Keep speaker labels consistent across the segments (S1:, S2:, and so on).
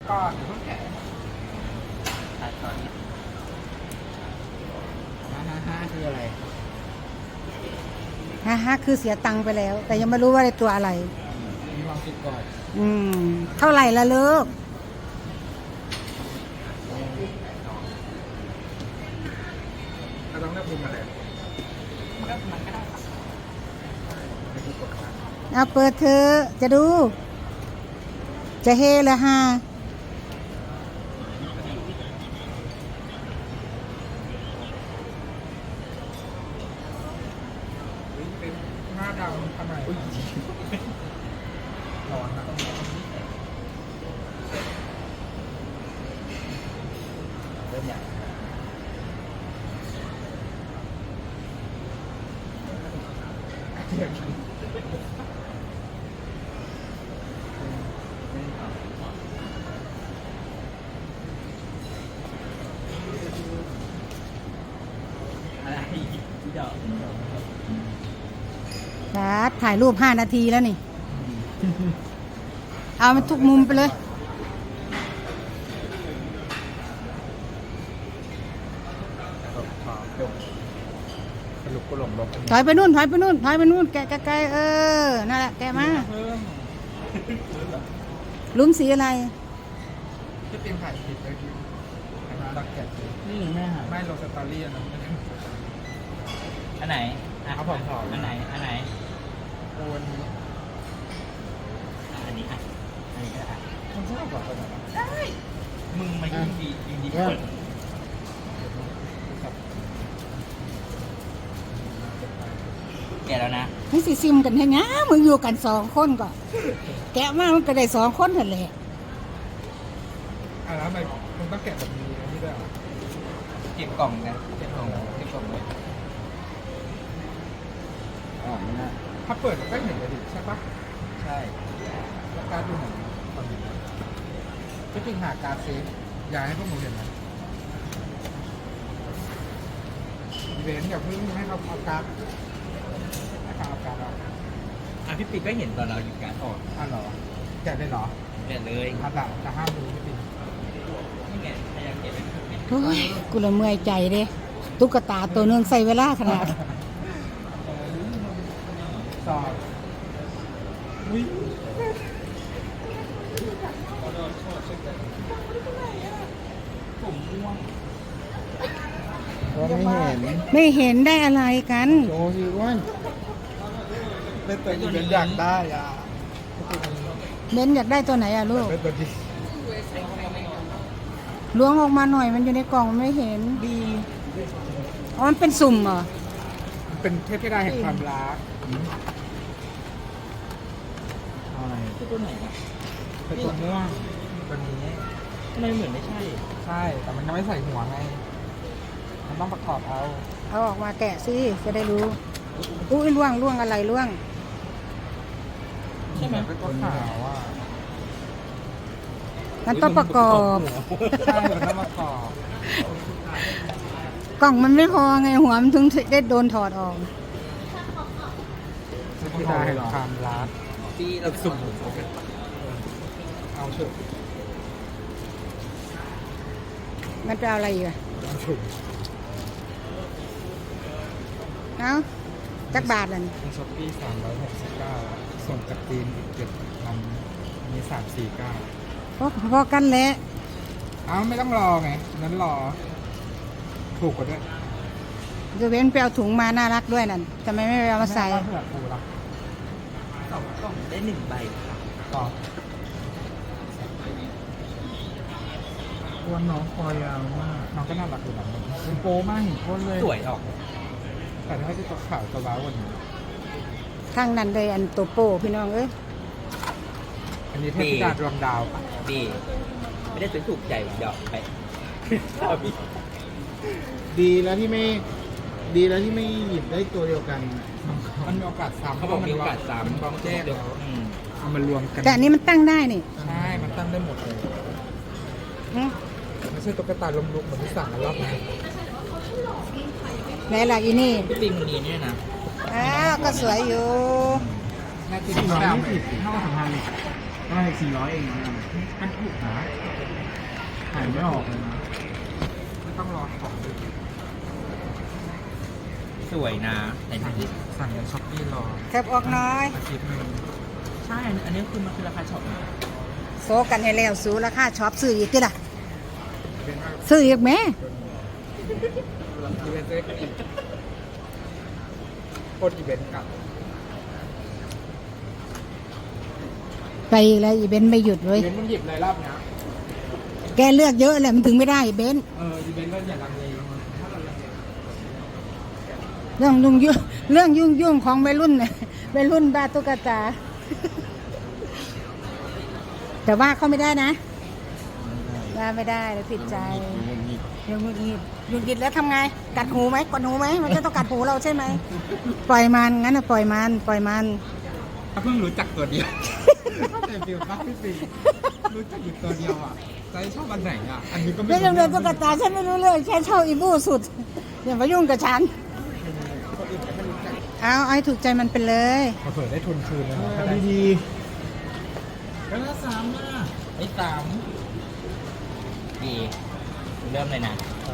S1: ก่อนเพิ่งแกะตัดตอนนี้ฮ่าคืออะไร
S2: ฮ่าคือเสียตังค์ไปแล้ว แต่ยังไม่รู้ว่าในตัวอะไร
S1: มีความคิดก่อน
S2: เท่าไหร่ละเลิก
S1: เราต้องเลือกมุมอะไรเลือกมันก็ได้
S2: เอาเปิดเธอจะดู จะเฮละฮะ
S1: เป็นหน้าดำทำไมร้อนนะเริ่มอย่างอะไรที่ดอก
S2: ถ่ายรูป5 นาทีแล้วนี่ เอามันทุกมุมไปเลย
S1: สรุปก็หลงลบ
S2: ถอยไปนู่น แกะไกลนั่นแหละ แกะมาลุ้มสีอะไร
S1: จะเป็นถ่ายผิดไปที่ตักแกะนี่แม่ไม่ลงสตอรี่นะ
S3: อันไหน
S1: เอาผอมๆ
S3: อันไหน
S1: โอน
S3: อันนี้อันนี้ก็ได้
S1: มันชอบกว่าคนไหน
S3: ได้มึงมายิงดีเปิดแกแล้วนะ
S2: นี่สิซิมกันให้นะมึงอยู่กัน2 คนก็แกะมามันก็ได้2 คนเท่านั้นแหละ
S1: แล้วทำไมมึงต้องแกะแบบนี้นี่ด้วย
S3: เก็บกล่องนะเก็บกล่องเลย
S1: ไม่น่าถ้าเปิดก็เห็นเลยดิใช่ปะ
S3: ใช่
S1: แล้วการดูหนังตอนนี้ก็จริงหาการเซฟอยากให้พวกมึงเห็นไหมอีเวนต์อย่าเพิ่งให้เขาเอาการให้เขาเอาการออก
S3: พี่ปีก็เห็นตอนเราหยิบการออก
S1: เหรอแกะได้เหรอ
S3: แกะเลย
S1: แต่ห้ามดูพี่ปี
S3: นี่ไงพยายามเก็บเป็น
S2: โอ้ยกูละเมื่อยใจเด้ตุ๊กตาตัวนึงใส่เวลาขนาด
S1: สอบวิ่ง
S3: ผมม่วง
S1: ไม่เห็น
S2: ไม่เห็นได้อะไรกัน
S1: โชว์สิวันเป็นตัวที่เป็นอยากได้อ่ะ
S2: เบนอยากได้ตัวไหนอะลูก
S1: เป็นตัวที่
S2: ล้วงออกมาหน่อยมันอยู่ในกล่องมันไม่เห็นอ๋อมันเป็นสุ่มเหรอ
S1: เป็นเทพธิดาแห่งความรัก
S3: อะไรตัวไหนอ่ะ
S1: เป็นตัวม่วงตัวนี้
S3: ทำไมเหมือนไม่ใช่
S1: ใช่แต่มันยังไม่ใส่หัวไงมันต้องประกอบเอา
S2: ออกมาแกะสิจะได้รู้อุ้ยล่วงอะไรล่วง
S3: ใช่ไหม
S1: เป็นตัวขาวอ่ะ
S2: มันต้องประกอบ
S1: ใช่มันต้องประกอบ
S2: กล่องมันไม่พอไงหัวมันถึงได้โดนถอดออก
S1: ที่ได้เห็นความรัก
S3: ที่เราสุ่ม
S1: เอาเถอะ
S2: มันจะเอาอะไรอีกอะ
S1: เอาฉุก
S2: เอาจักบาทเลย
S1: ในช้อปปี้369ส่งจากจีนอีก7,000มี349
S2: พอกันแหละ
S1: ไม่ต้องรอไงนั้นรอถูกกว่าด้วย
S2: จะเว้นไปเอาถุงมาน่ารักด้วยนั่นทำไมไม่เอามาใส่
S1: เผื่อถูกละ
S3: 2 กล่องได้1 ใบ
S1: ต่อตัวน้องคอยาวมากน้องก็น่ารักอยู่นะเป็นโปมากเห็นคนเลย
S3: สวยออก
S1: แต่ถ้าจะตัวขาวตัวว้าวกว่านี้
S2: ข้างนั้นเลยอันโตโป้พี่น้อง
S1: อันนี้เทพธิดาดวงดาว
S3: ดีไม่ได้ถูกใจเดี๋ยวไป
S1: ดีแล้วที่ไม่หยิบได้ตัวเดียวกันมันมีโอกาสซ้ำ
S3: เขาบอกมีโอกาสซ้ำ
S1: ต้องแจ้งเอามารวมกัน
S2: แต่อันนี้มันตั้งได้นี่
S1: ใช่มันตั้งได้หมดเลยไม่ใช่ตุ๊กตาล้มลุกเหมือนที่สั่งกันรอบนี้
S2: ไหนล่ะอีนี่
S3: พี่ปิงมีเนี่ยนะ
S2: ก็สวยอยู่
S1: 420เท่ากับ2,000ก็ได้400เองนะมันถูกนะไม่ออกเลยนะไม่ต้องรอของดู
S3: สวยนะไหนดูดิ
S1: สั่งในช้อปปี้รอ
S2: แคบออกน้อย
S1: อาทิตย์หนึง
S3: ใช่ อันนี้คือมันคือราคาช็อปนะ
S2: โซกันให้แล้วสูราคาช็อปซื้ออีกติล่ะ
S1: เป็นว่า
S2: ซื้ออีกแม่
S1: อีเวนต์เล็กอีกโคตรอีเวนต์กลับ
S2: ไปอีกแล้วอีเบนซ์ไม่หยุดเว้
S1: อี
S2: ย
S1: เวนต์มันหยิบเลยรอบเนี้ย
S2: แกเลือกเยอะแหละมันถึงไม่ได้เบนซ์
S1: อีเวนต์ก็อย่าลังเลถ้าเราลังเล
S2: เรื่องยุ่งของวัยรุ่นน่ะวัยรุ่นบ้าตุ๊กตา แต่ว่าเขาไม่ได้นะว่าไม่ได้แล้วผิดใจยังมุดงิดหยุดกิดแล้วทำไงกัดหูไหมกดหูไหมมันจะต้องกัดหูเราใช่ไหมปล่อยมันงั้นนะปล่อยมัน
S1: เพิ่งรู้จักตัวเดียวแต่ฟิลปั๊บพี่ปีรู้จักอยู่ตัวเดียวอ่ะใจชอบอันไหนอ่ะ อันนี้ก็ไม่
S2: เรื่องเรื่องตุ๊กตาฉันไม่รู้เรื่องแค่เช่าอีบูสุดอย่ามายุ่งกับฉัน
S1: คนอื่นก็ไม่รู้จัก
S2: เอาให้ถูกใจมันไปเลย
S1: เผื่อได้ทุนคืนเลยนะดีๆก็ละสามอ่ะ
S3: ไอ้สามดีเริ่มเลยนะ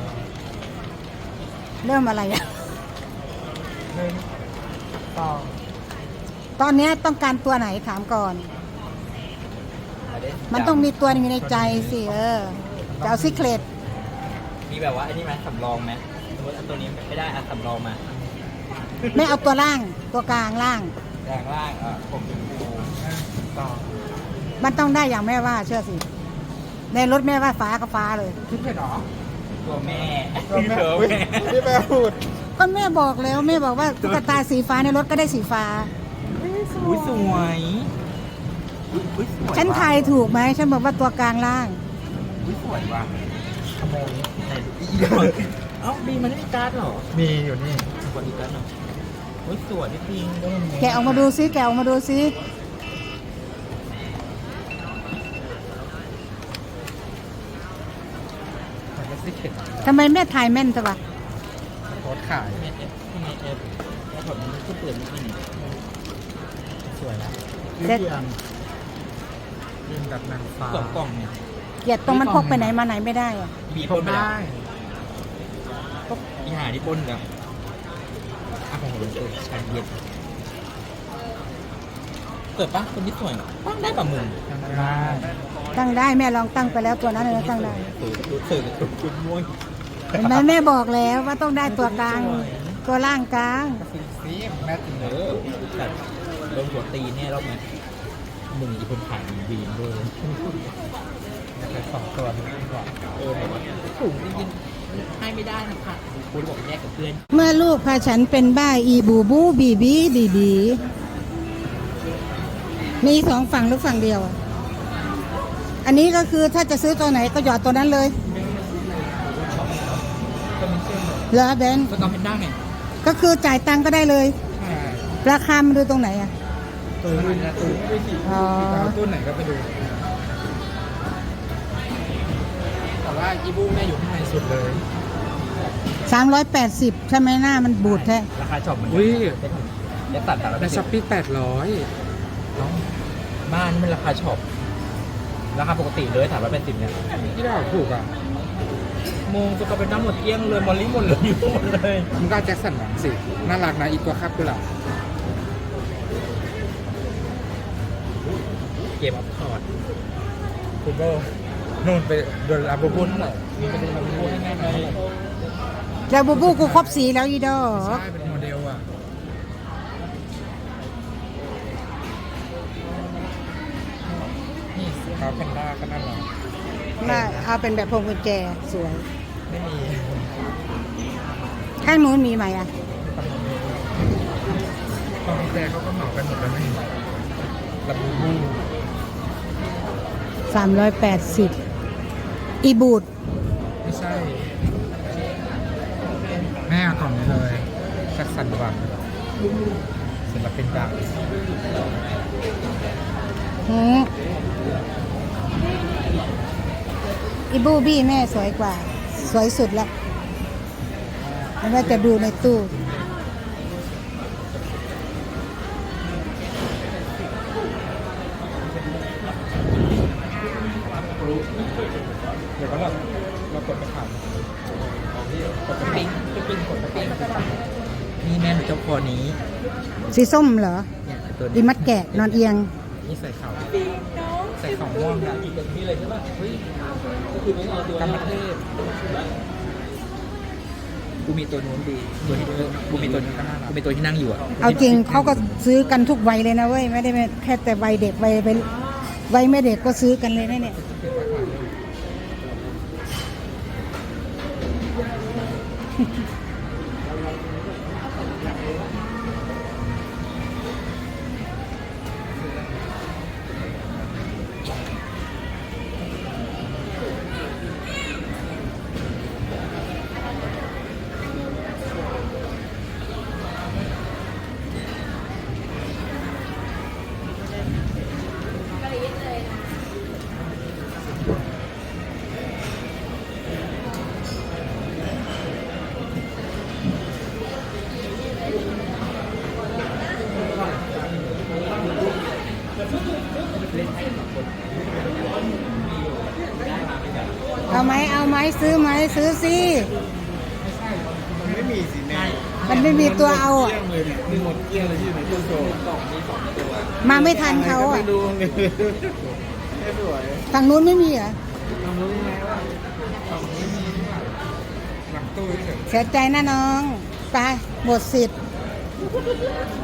S2: เริ่มอะไรอ่ะ
S1: หนึ่งสอง
S2: ตอนนี้ต้องการตัวไหนถามก่อน
S3: เอาดิ
S2: มันต้องมีตัวหนึงในใจสิจะเอาซิเครต
S3: มีแบบว่าอันนี้ไหมสำรองไหมสมมติอันตัวนี้ไม่ได้อันสำรองมา
S2: ไม่เอาตัวล่างตัวกลางล่าง
S3: แรงล่างผมถึงดู
S1: สอง
S2: มันต้องได้อย่างแม่ว่าเชื่อสิ ในรถแม่ว่าฟ้าก็ฟ้าเลย
S1: คิดเผ็ดหรอ
S3: ตัวแม่
S1: ตัวแม่
S3: ตัว
S1: อุ๊ย
S3: แม่
S1: พี่แม่พูด
S2: ก็แม่บอกแล้วแม่บอกว่าตุ๊กตาสีฟ้าในรถก็ได้สีฟ้า
S3: อุ้ยสวยอุ้ยสวย
S2: ฉันทายถูกไหมฉันบอกว่าตัวกลางล่าง
S3: อุ้ยสวยว่ะ
S1: ขโมย
S3: แต่อีกเอ้าบีมันไม่มีการ์ดเหรอ
S1: มีอยู่นี่
S3: กดอีกการ์ดหน่อยอุ้ยสวยพี่ปิง
S2: แกะออกมาดูซิแกะออกมาดูซิ
S1: มันก็ซิเข็ด
S2: ทำไมแม่ทายแม่นจังวะ
S1: โพสต์ขาย
S3: ทำไมเอฟแล้วผมมันก็เปิดไม่กิน
S1: สวยนะ
S2: เด็ด
S1: ยืนแบบนางฟ้า
S3: สองกล่องเนี่ย
S2: เกลียดตรงมันพกไปไหนมาไหนไม่ได้อะ
S3: บี
S1: พ
S3: ป
S1: ก
S3: นไปแล้ว
S1: ได้
S3: อีหาที่ปนแล้วอ่ะของผมเปิดชาเย็นเปิดปะคนที่สวยตั้งได้ปะมึง
S1: ทำได้
S2: ตั้งได้แม่ลองตั้งไปแล้วตัวนั้นเลยตั้งได้
S3: สื่อจุดม่วง
S2: เห็นไหมแม่บอกแล้วว่าต้องได้ตัวกลาง ตัวล่างกลาง
S1: ซีแม่จริง
S3: เออแต่โดนหัวตีเนี่ยรอบนี้มึงอีคนขายมึงวีนด้วย
S1: แต่สองตัวนี้ดีกว่า
S3: แบบว่าถูกจริงๆให้ไม่ได้นะคะคุณบอกแยกกับเพื่อน
S2: เมื่อลูกพาฉันเป็นบ้าอีบูบูบีบีบีบีมีสองฝั่งหรือฝั่งเดียวอะอันนี้ก็คือถ้าจะซื้อตัวไหนก็หยอดตัวนั้นเลยเหรอเบน
S3: สกอร์เพนด้าไง
S2: ก็คือจ่ายตังค์ก็ได้เลย
S1: ใช่
S2: ราคามันดูตรงไหนอ่ะ
S1: ตู้มันจะตู้ไม่ได้ขี่
S2: อ๋อ
S1: จะเอาตู้ไหนก็ไปดู แต่ว่าอีบูเนี่ยอยู่ข้างในสุดเลย
S2: 380 ใช่ไหมหน้ามันบูดแท้
S3: ราคาช็อปมัน
S1: อุ้ย
S3: จะตัดแต่ละ
S1: ในช้อปปี้800น้อง
S3: บ้านมันราคาช็อปราคาปกติเลย380เนี่ย
S1: ที่เราถูกอ่ะ
S3: โมงสกอร์เพนด้าหมดเกลี้ยงเลยมอลลี่หมดเลยหมดเลย
S1: มึงก็เอาแจ็คสันหวังสิ น่ารักนะอีกตัวครับด้วยล่ะ
S3: เกมออฟคอร์ด
S1: คุณก็นู่นไปโดนอาบูบุนเท่าไหร่มีไปโดนอาบูบุนให้แน่ไหม
S2: แล้วบูบูกูครบสีแล้วอีดอ
S1: ใช่เป็นโมเดลอ่ะ นี่เขาเป็นด้าก็น่ารัก
S2: มาเอาเป็นแบบพวงกุญแจสวย
S1: ไม่มี
S2: ข้างนู้นมีไหมอ่ะ
S1: ตอนแจเขาก็เหมากันหมดแล้วนี่ลาบูบู
S2: 380 อีบูด
S1: ไม่ใช่ แม่เอากล่องนี้เลยแจ็คสันหวังศิลปินดัง
S2: อีบูบี้แม่สวยกว่า สวยสุดแล้วไม่ว่าจะดูในตู้
S1: เดี๋ยวก็เรากดไปผ่านกดไป
S3: ปิ้งปิ้งกดปิ้งนี่แม่หนูเจ้าคอนี้
S2: สีส้มเหรอ
S3: เนี่ยตัว
S2: อี
S3: นี้
S2: มัดแกะนอนเอียง
S1: นี่ใส่เข่าใส่เข่าม่วงนะ
S3: อีกแบบนี้เลยใช่ป่ะเฮ้ยก็คือไม่เอาตัวกรรมเทพกูมีตัวนู้นดีตัวที่กูมีตัวนี้กูมีตัวที่นั่งอยู่อ่ะ
S2: เอาจริงเขาก็ซื้อกันทุกวัยเลยนะเว้ยไม่ได้แค่แต่วัยเด็กวัยไม่เด็กก็ซื้อกันเลยนะเนี่ย เอาไหมซื้อไหมซื้อสิ
S1: มันไม่มีสิแม่
S2: มันไม่มีตัวเอาอ่ะ
S1: เกลี้ยงเลยเนี่ยมีหมดเกลี้ยงเลยที่ไหนตู้โชว์
S2: มาไม่ทันเขาอ่ะ
S1: ไม่ดูเลยไม่สวย
S2: ฝั่งนู้นไม่มีเหรอ
S1: ลองรู้ยังไงว่าฝั่งนี้มีหรือเปล่าหลังตู้เฉย
S2: เสียใจนะน้องไปหมดสิทธิ์
S1: ๆ